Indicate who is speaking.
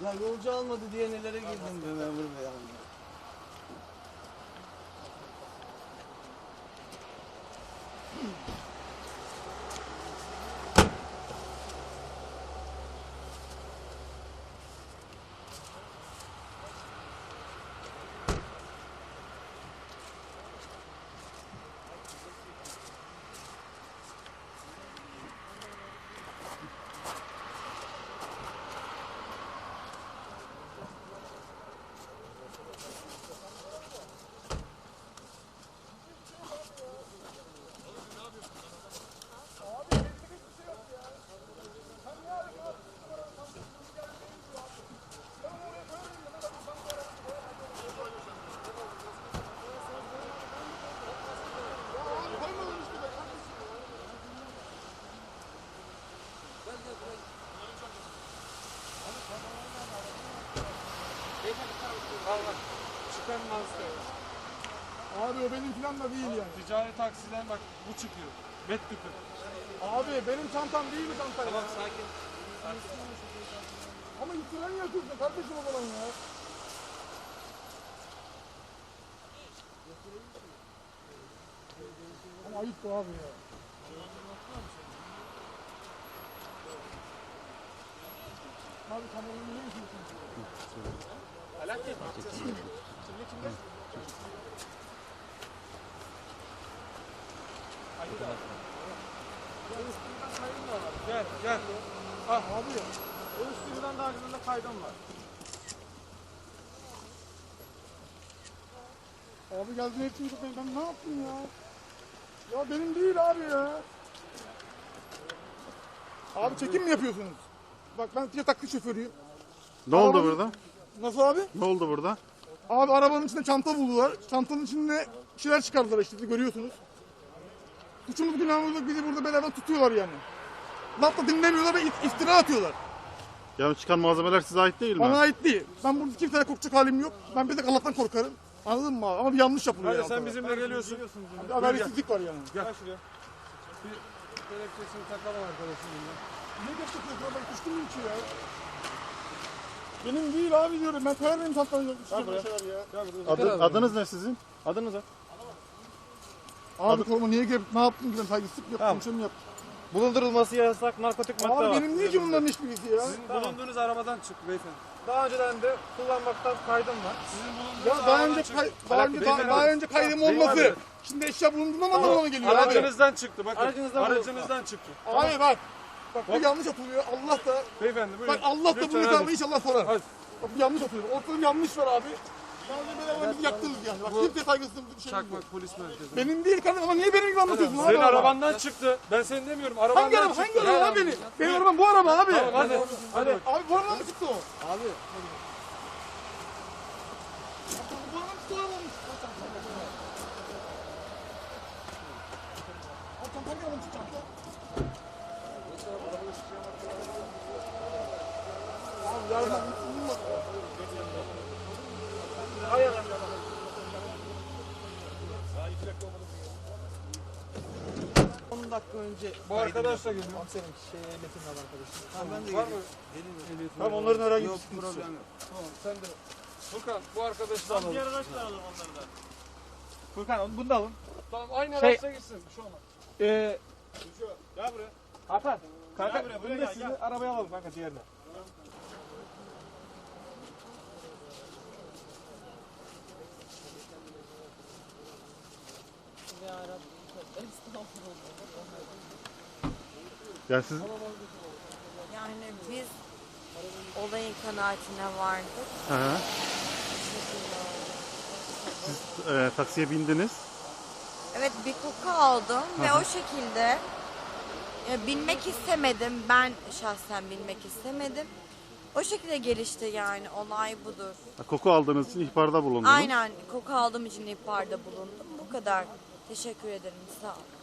Speaker 1: Ya yolcu almadı diye nelere girdim be memur bey abi.
Speaker 2: Abi o benim falan da değil yani.
Speaker 3: Ticari taksiden bak bu çıkıyor. Bet tüpü.
Speaker 2: Abi benim çantam değil mi çantam?
Speaker 1: Tamam sakin.
Speaker 2: Ama itiran yapıyorsun kardeşim o zaman ya. Ama ayıp bu abi ya. Abi kameranın ne işin? Alaaddin. Kimle?
Speaker 3: Gel gel.
Speaker 2: Ah abi ya.
Speaker 3: O üstünden daha güzel kaydım var.
Speaker 2: Abi geldin hepsini tutmayın. Ben ne yaptım ya? Ya benim değil abi ya. Abi çekim mi yapıyorsunuz? Bak ben bir taksi şoförüyüm.
Speaker 4: Ne oldu
Speaker 2: Arabanın-
Speaker 4: burada?
Speaker 2: Nasıl abi?
Speaker 4: Ne oldu burada?
Speaker 2: Abi arabanın içinde çanta buldular. Çantanın içinde bir şeyler çıkardılar işte görüyorsunuz. Suçumuz günahımız yok, bizi burada beladan tutuyorlar yani. Laf da dinlemiyorlar ve iftira atıyorlar.
Speaker 4: Yani çıkan malzemeler size ait değil mi?
Speaker 2: Bana ait değil. Ben burada kimseye korkacak halim yok. Ben bir tek Allah'tan korkarım. Anladın mı abi? Ama bir yanlış yapılıyor
Speaker 3: Hadi
Speaker 2: yani.
Speaker 3: sen
Speaker 2: ortada.
Speaker 3: bizimle geliyorsun.
Speaker 2: Bir adaletsizlik var yani.
Speaker 3: Gel şuraya. Bir kelepçesini takalım arkadaşım.
Speaker 2: Niye gösteriyorsun? Ben kuşkum mu içi ya? Benim değil abi diyorum. Ben koyar mıyım çantanı?
Speaker 4: Adınız ne sizin? Adınız ne?
Speaker 2: Abi koruma niye gelip ne yaptın ki ben saygısızlık yaptım,
Speaker 3: Tamam.
Speaker 2: bir şey mi yaptım?
Speaker 3: Bulundurulması yasak narkotik madde
Speaker 2: Abi
Speaker 3: var.
Speaker 2: benim niye ki bunların hiçbirisi ya?
Speaker 3: Sizin bulunduğunuz arabadan çıktı beyefendi. Daha önceden de kullanmaktan kaydım var. Sizin bulunduğunuz
Speaker 2: Ya daha önce
Speaker 3: çıktı.
Speaker 2: daha önce kaydım olması.
Speaker 3: Beyefendi.
Speaker 2: Şimdi eşya bulunduğundan anlamına mı geliyor abi?
Speaker 3: Aracınızdan çıktı bakın.
Speaker 5: Aracınızdan
Speaker 3: Aracınızdan çıktı.
Speaker 2: Abi bak. Bak bu yanlış atılıyor. Allah da
Speaker 3: Beyefendi buyurun.
Speaker 2: bak Allah da bu
Speaker 3: Lütfen
Speaker 2: hesabı
Speaker 3: hadi.
Speaker 2: inşallah sorar.
Speaker 3: Hadi.
Speaker 2: Bak bu yanlış atılıyor. Ortada bir yanlış var abi. Ben bizi yaktınız yani. Bak kimse saygısızlık bir şey yok.
Speaker 3: Çakmak polis merkezi.
Speaker 2: Benim değil kardeşim ama niye benim gibi anlatıyorsun abi?
Speaker 3: Senin arabandan çıktı. Ben seni demiyorum. Arabandan
Speaker 2: Hangi araba?
Speaker 3: çıktı.
Speaker 2: Hangi araba abi benim? Benim arabam bu araba abi.
Speaker 3: Tamam hadi. Hadi.
Speaker 2: Abi bu araba mı çıktı o?
Speaker 1: Abi
Speaker 2: Bu araba mı çıktı o araba mı çıktı? Abi hangi araba çıktı? Abi yarın
Speaker 1: 10 dakika önce
Speaker 3: Bu arkadaş da geliyor.
Speaker 1: senin ehliyetin var arkadaşım. Tamam ben de
Speaker 3: Var
Speaker 1: geleyim.
Speaker 3: mı?
Speaker 1: Geleyim.
Speaker 3: Tamam onların herhangi bir
Speaker 1: Yok
Speaker 3: sıkıntısı yok.
Speaker 1: problem yok.
Speaker 3: Tamam sen de. Furkan bu arkadaşı da alalım.
Speaker 5: Diğer araçla alalım onları da.
Speaker 3: Furkan bunu da alın. Tamam aynı
Speaker 5: Şey-
Speaker 3: araçla gitsin. Bir şey olmaz.
Speaker 5: Gel buraya.
Speaker 3: Hakan. Kanka
Speaker 5: Gel buraya,
Speaker 3: bunu
Speaker 5: buraya
Speaker 3: da
Speaker 5: gel,
Speaker 3: sizi
Speaker 5: gel.
Speaker 3: arabaya alalım kanka diğerine.
Speaker 4: Yani siz
Speaker 6: Yani biz olayın kanaatine vardık.
Speaker 4: Hı hı. Taksiye bindiniz.
Speaker 6: Evet bir koku aldım ve o şekilde binmek istemedim. Ben şahsen binmek istemedim. O şekilde gelişti yani olay budur.
Speaker 4: Koku aldığınız için ihbarda bulundunuz.
Speaker 6: Aynen koku aldığım için ihbarda bulundum. Bu kadar. Teşekkür ederim. Sağ ol.